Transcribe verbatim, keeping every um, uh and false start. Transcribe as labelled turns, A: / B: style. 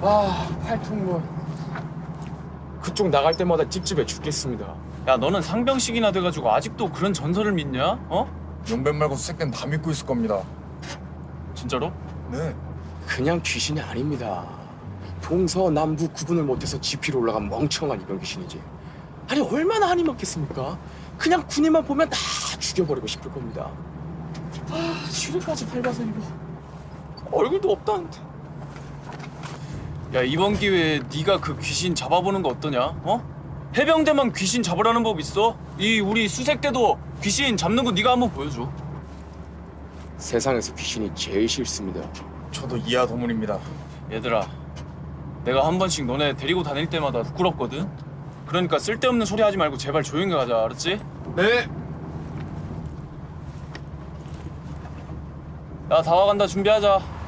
A: 아, 팔통문. 그쪽 나갈 때마다 찝찝해 죽겠습니다.
B: 야, 너는 상병식이나 돼가지고 아직도 그런 전설을 믿냐? 어?
C: 용변 말고 수색대는 다 믿고 있을 겁니다.
B: 진짜로?
C: 네.
A: 그냥 귀신이 아닙니다. 동서남북 구분을 못해서 지피로 올라간 멍청한 이병 귀신이지. 아니 얼마나 한이 많겠습니까? 그냥 군인만 보면 다 죽여버리고 싶을 겁니다. 아, 슈리까지 밟아서 이거 얼굴도 없다는데.
B: 야, 이번 기회에 네가 그 귀신 잡아보는 거 어떠냐? 어? 해병대만 귀신 잡으라는 법 있어? 이 우리 수색대도 귀신 잡는 거 네가 한번 보여줘.
A: 세상에서 귀신이 제일 싫습니다.
C: 저도 이하 도문입니다.
B: 얘들아, 내가 한 번씩 너네 데리고 다닐 때마다 부끄럽거든? 그러니까 쓸데없는 소리 하지 말고 제발 조용히 가자, 알았지?
C: 네.
B: 야, 다 와간다. 준비하자.